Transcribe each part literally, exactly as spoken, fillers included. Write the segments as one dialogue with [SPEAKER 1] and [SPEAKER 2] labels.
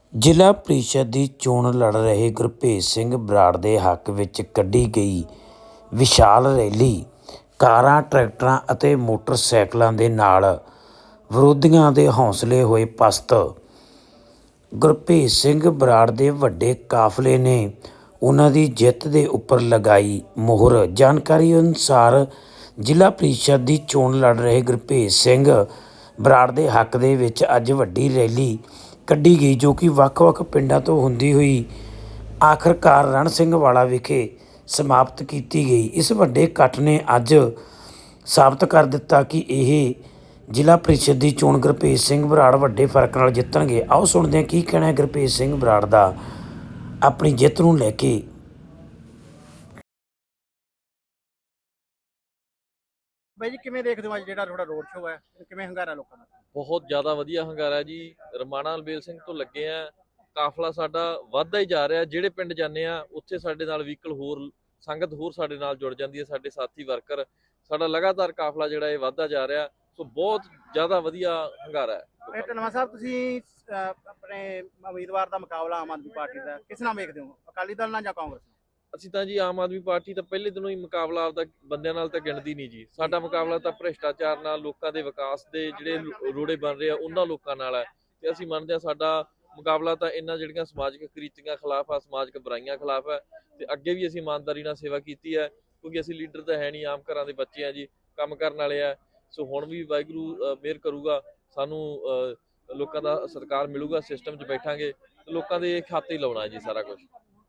[SPEAKER 1] ਜ਼ਿਲ੍ਹਾ ਪ੍ਰੀਸ਼ਦ ਦੀ ਚੋਣ ਲੜ ਰਹੇ ਗੁਰਭੇਜ ਸਿੰਘ ਬਰਾੜ ਦੇ ਹੱਕ ਵਿੱਚ ਕੱਢੀ ਗਈ ਵਿਸ਼ਾਲ ਰੈਲੀ ਕਾਰਾਂ, ਟਰੈਕਟਰਾਂ ਅਤੇ ਮੋਟਰਸਾਈਕਲਾਂ ਦੇ ਨਾਲ ਵਿਰੋਧੀਆਂ ਦੇ ਹੌਸਲੇ ਹੋਏ ਪਸਤ। ਗੁਰਭੇਜ ਸਿੰਘ ਬਰਾੜ ਦੇ ਵੱਡੇ ਕਾਫਲੇ ਨੇ ਉਹਨਾਂ ਦੀ ਜਿੱਤ ਦੇ ਉੱਪਰ ਲਗਾਈ ਮੋਹਰ। ਜਾਣਕਾਰੀ ਅਨੁਸਾਰ ਜ਼ਿਲ੍ਹਾ ਪ੍ਰੀਸ਼ਦ ਦੀ ਚੋਣ ਲੜ ਰਹੇ ਗੁਰਭੇਜ ਸਿੰਘ ਬਰਾੜ ਦੇ ਹੱਕ ਦੇ ਵਿੱਚ ਅੱਜ ਵੱਡੀ ਰੈਲੀ ਕੱਢੀ ਗਈ, ਜੋ ਕਿ ਵੱਖ-ਵੱਖ ਪਿੰਡਾਂ ਤੋਂ ਹੁੰਦੀ ਹੋਈ ਆਖਰਕਾਰ ਰਣ ਸਿੰਘ ਵਾਲਾ ਵਿਖੇ ਸਮਾਪਤ ਕੀਤੀ ਗਈ। ਇਸ ਵੱਡੇ ਇਕੱਠ ਨੇ ਅੱਜ ਸਾਬਤ ਕਰ ਦਿੱਤਾ ਕਿ ਇਹ ਜ਼ਿਲ੍ਹਾ ਪ੍ਰੀਸ਼ਦ ਦੀ ਚੋਣ ਗੁਰਭੇਜ ਸਿੰਘ ਬਰਾੜ ਵੱਡੇ ਫਰਕ ਨਾਲ ਜਿੱਤਣਗੇ। ਆਓ ਸੁਣਦੇ ਹਾਂ ਕੀ ਕਹਿਣਾ ਹੈ ਗੁਰਭੇਜ ਸਿੰਘ ਬਰਾੜ ਦਾ ਆਪਣੀ ਜਿੱਤ ਨੂੰ ਲੈ ਕੇ।
[SPEAKER 2] ਬਾਈ ਜੀ, ਕਿਵੇਂ ਦੇਖਦੇ ਹੋ ਅੱਜ ਜਿਹੜਾ ਤੁਹਾਡਾ ਰੋਡ ਸ਼ੋਅ ਹੈ, ਕਿਵੇਂ ਹੰਗਾਰਾ ਲੋਕਾਂ ਦਾ?
[SPEAKER 3] ਬਹੁਤ ਜ਼ਿਆਦਾ ਵਧੀਆ ਹੰਗਾਰਾ ਜੀ। ਰਮਾਣਾ ਅਲਬੇਲ ਸਿੰਘ ਤੋਂ ਲੱਗੇ ਆ, ਕਾਫਲਾ ਸਾਡਾ ਵੱਧਦਾ ਹੀ ਜਾ ਰਿਹਾ। ਜਿਹੜੇ ਪਿੰਡ ਜਾਂਦੇ ਆ ਉੱਥੇ ਸਾਡੇ ਨਾਲ ਵਹੀਕਲ ਹੋਰ ਸੰਗਤ ਹੋਰ ਸਾਡੇ ਨਾਲ ਜੁੜ ਜਾਂਦੀ ਹੈ, ਸਾਡੇ ਸਾਥੀ ਵਰਕਰ। ਸਾਡਾ ਲਗਾਤਾਰ ਕਾਫਲਾ ਜਿਹੜਾ ਇਹ ਵੱਧਦਾ ਜਾ ਰਿਹਾ, ਸੋ ਬਹੁਤ ਜ਼ਿਆਦਾ ਵਧੀਆ ਹੰਗਾਰਾ ਹੈ।
[SPEAKER 2] ਢਲਵਾਂ ਸਾਹਿਬ, ਤੁਸੀਂ ਆਪਣੇ ਉਮੀਦਵਾਰ ਦਾ ਮੁਕਾਬਲਾ ਆਮ ਆਦਮੀ ਪਾਰਟੀ ਦਾ ਕਿਸ ਨਾਲ ਵੇਖਦੇ ਹੋ, ਅਕਾਲੀ ਦਲ ਨਾਲ ਜਾਂ ਕਾਂਗਰਸ ਨਾਲ?
[SPEAKER 3] ਅਸੀਂ ਤਾਂ ਜੀ ਆਮ ਆਦਮੀ ਪਾਰਟੀ ਤਾਂ ਪਹਿਲੇ ਦਿਨੋਂ ਹੀ ਮੁਕਾਬਲਾ ਆਪਦਾ ਬੰਦਿਆਂ ਨਾਲ ਤਾਂ ਗਿਣਦੀ ਨਹੀਂ ਜੀ। ਸਾਡਾ ਮੁਕਾਬਲਾ ਤਾਂ ਭ੍ਰਿਸ਼ਟਾਚਾਰ ਨਾਲ, ਲੋਕਾਂ ਦੇ ਵਿਕਾਸ ਦੇ ਜਿਹੜੇ ਰੋੜੇ ਬਣ ਰਹੇ ਆ ਉਹਨਾਂ ਲੋਕਾਂ ਨਾਲ ਹੈ। ਤੇ ਅਸੀਂ ਮੰਨਦੇ ਹਾਂ ਸਾਡਾ ਮੁਕਾਬਲਾ ਤਾਂ ਇਹਨਾਂ ਜਿਹੜੀਆਂ ਸਮਾਜਿਕ ਕੁਰੀਤੀਆਂ ਖਿਲਾਫ ਆ, ਸਮਾਜਿਕ ਬੁਰਾਈਆਂ ਖਿਲਾਫ ਹੈ। ਤੇ ਅੱਗੇ ਵੀ ਅਸੀਂ ਇਮਾਨਦਾਰੀ ਨਾਲ ਸੇਵਾ ਕੀਤੀ ਹੈ, ਕਿਉਂਕਿ ਅਸੀਂ ਲੀਡਰ ਤਾਂ ਹੈ ਨਹੀਂ, ਆਮ ਘਰਾਂ ਦੇ ਬੱਚੇ ਆ ਜੀ, ਕੰਮ ਕਰਨ ਵਾਲੇ ਆ। ਸੋ ਹੁਣ ਵੀ ਵਾਹਿਗੁਰੂ ਮਿਹਰ ਕਰੂਗਾ, ਸਾਨੂੰ ਲੋਕਾਂ ਦਾ ਸਤਿਕਾਰ ਮਿਲੂਗਾ, ਸਿਸਟਮ 'ਚ ਬੈਠਾਂਗੇ, ਲੋਕਾਂ ਦੇ ਖਾਤੇ ਹੀ ਲਾਉਣਾ ਹੈ ਜੀ ਸਾਰਾ ਕੁਝ।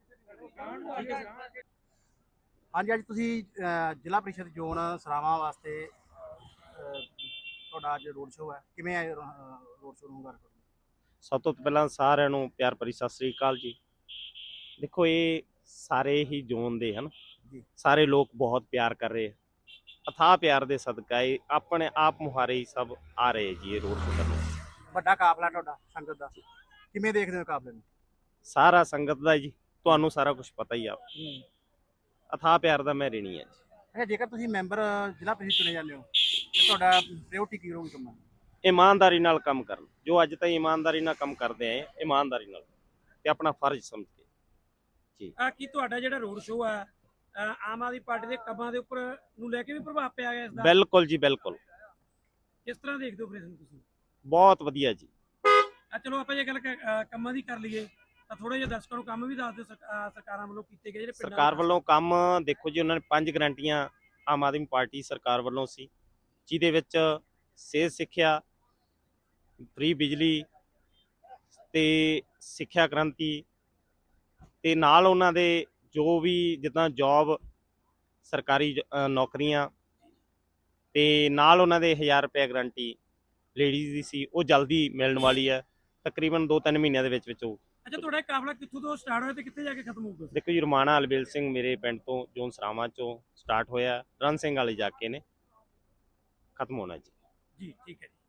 [SPEAKER 2] ਹਾਂਜੀ, ਅੱਜ ਤੁਸੀਂ ਜ਼ਿਲ੍ਹਾ ਪ੍ਰੀਸ਼ਦ ਜ਼ੋਨ ਸਰਾਵਾਂ ਵਾਸਤੇ ਤੁਹਾਡਾ ਅੱਜ ਰੋਡ ਸ਼ੋਅ ਹੈ, ਕਿਵੇਂ ਹੈ ਰੋਡ ਸ਼ੋਅ ਨੂੰ ਹੰਗਾਰਾ?
[SPEAKER 4] ਸਭ ਤੋਂ ਪਹਿਲਾਂ ਸਾਰਿਆਂ ਨੂੰ ਪਿਆਰ ਭਰੀ ਸਤਿ ਸ੍ਰੀ ਅਕਾਲ ਜੀ। ਦੇਖੋ, ਇਹ ਸਾਰੇ ਹੀ ਜ਼ੋਨ ਦੇ ਹਨ, ਸਾਰੇ ਲੋਕ ਬਹੁਤ ਪਿਆਰ ਕਰ ਰਹੇ, ਅਥਾਹ ਪਿਆਰ ਦੇ ਸਦਕਾ ਇਹ ਆਪਣੇ ਆਪ ਮੁਹਾਰੇ ਹੀ ਸਭ ਆ ਰਹੇ ਜੀ ਇਹ ਰੋਡ ਸ਼ੋਅ ਕਰਨ।
[SPEAKER 2] ਵੱਡਾ ਕਾਫਲਾ ਤੁਹਾਡਾ ਸੰਗਤ ਦਾ, ਕਿਵੇਂ ਦੇਖਦੇ ਹੋ ਕਾਫਲੇ ਨੂੰ?
[SPEAKER 4] ਸਾਰਾ ਸੰਗਤ ਦਾ ਜੀ, ਤੁਹਾਨੂੰ ਸਾਰਾ ਕੁਝ ਪਤਾ ਹੀ ਆ, ਅਥਾਹ ਪਿਆਰ ਦਾ ਮੈਂ ਰਹਿਣੀ ਹੈ ਜੀ।
[SPEAKER 2] ਅੱਛਾ, ਜੇਕਰ ਤੁਸੀਂ ਮੈਂਬਰ ਜ਼ਿਲ੍ਹਾ ਪ੍ਰੀਸ਼ਦ ਚੁਣੇ ਜਾਂਦੇ ਹੋ ਤੇ ਤੁਹਾਡਾ ਪ੍ਰਾਇੋਰਟੀ ਕੀ ਰਹੂਗੀ ਕੰਮ?
[SPEAKER 4] ਇਮਾਨਦਾਰੀ ਨਾਲ ਕੰਮ ਕਰਨ, ਜੋ ਅੱਜ ਤਾਈਂ ਇਮਾਨਦਾਰੀ ਨਾਲ ਕੰਮ ਕਰਦੇ ਆਏ, ਇਮਾਨਦਾਰੀ ਨਾਲ ਤੇ ਆਪਣਾ ਫਰਜ਼ ਸਮਝ ਕੇ ਜੀ।
[SPEAKER 5] ਆ ਕੀ ਤੁਹਾਡਾ ਜਿਹੜਾ ਰੋਡ ਸ਼ੋਅ ਹੈ ਆਮ ਆਦਮੀ ਪਾਰਟੀ ਦੇ ਕੰਮਾਂ ਦੇ ਉੱਪਰ ਨੂੰ ਲੈ ਕੇ ਵੀ ਪ੍ਰਭਾਵ ਪਿਆ ਗਿਆ ਇਸ ਦਾ?
[SPEAKER 4] ਬਿਲਕੁਲ ਜੀ, ਬਿਲਕੁਲ।
[SPEAKER 5] ਕਿਸ ਤਰ੍ਹਾਂ ਦੇਖਦੇ ਹੋ ਆਪਰੇਸ਼ਨ ਤੁਸੀਂ?
[SPEAKER 4] ਬਹੁਤ ਵਧੀਆ ਜੀ।
[SPEAKER 5] ਆ ਚਲੋ ਆਪਾਂ ਜੇ ਗੱਲ ਕੰਮਾਂ ਦੀ ਕਰ ਲਈਏ ਤਾਂ ਥੋੜਾ ਜਿਹਾ ਦਰਸ਼ਕਾਂ ਨੂੰ ਕੰਮ ਵੀ ਦੱਸ ਦਿਓ ਸਰਕਾਰਾਂ ਵੱਲੋਂ ਕੀਤੇ ਗਏ ਜਿਹੜੇ ਪਿੰਡਾਂ
[SPEAKER 4] ਸਰਕਾਰ ਵੱਲੋਂ ਕੰਮ। ਦੇਖੋ ਜੀ, ਉਹਨਾਂ ਨੇ ਪੰਜ ਗਰੰਟੀਆਂ ਆਮ ਆਦਮੀ ਪਾਰਟੀ ਸਰਕਾਰ ਵੱਲੋਂ ਸੀ, ਜਿਹਦੇ ਵਿੱਚ ਸਿਹਤ ਸਿੱਖਿਆ, ਫ੍ਰੀ ਬਿਜਲੀ ਤੇ ਸਿੱਖਿਆ ਕ੍ਰਾਂਤੀ, ਤੇ ਨਾਲ ਉਹਨਾਂ ਦੇ ਜੋ ਵੀ ਜਿੱਦਾਂ ਜੋਬ ਸਰਕਾਰੀ ਨੌਕਰੀਆਂ, ਤੇ ਨਾਲ ਉਹਨਾਂ ਦੇ ਹਜ਼ਾਰ ਰੁਪਏ ਗਰੰਟੀ ਲੇਡੀਜ਼ ਦੀ ਸੀ, ਉਹ ਜਲਦੀ ਮਿਲਣ ਵਾਲੀ ਹੈ, ਤਕਰੀਬਨ ਦੋ ਤਿੰਨ ਮਹੀਨਿਆਂ ਦੇ ਵਿੱਚ ਵਿੱਚ। ਉਹ
[SPEAKER 5] ਅੱਛਾ, ਤੁਹਾਡਾ ਕਾਫਲਾ ਕਿੱਥੋਂ ਤੋਂ ਸਟਾਰਟ ਹੋਇਆ ਤੇ ਕਿੱਥੇ ਜਾ ਕੇ ਖਤਮ ਹੋਊਗਾ?
[SPEAKER 4] ਦੇਖੋ ਜੀ, ਰਮਾਣਾ ਅਲਬੇਲ ਸਿੰਘ ਮੇਰੇ ਪਿੰਡ ਤੋਂ ਜੋਨ ਸਰਾਵਾਂ ਚੋਂ ਸਟਾਰਟ ਹੋਇਆ, ਰਣ ਸਿੰਘ ਵਾਲੇ ਜਾ ਕੇ ਨੇ ਖਤਮ ਹੋਣਾ ਜੀ।
[SPEAKER 5] ਜੀ ਠੀਕ ਹੈ ਜੀ।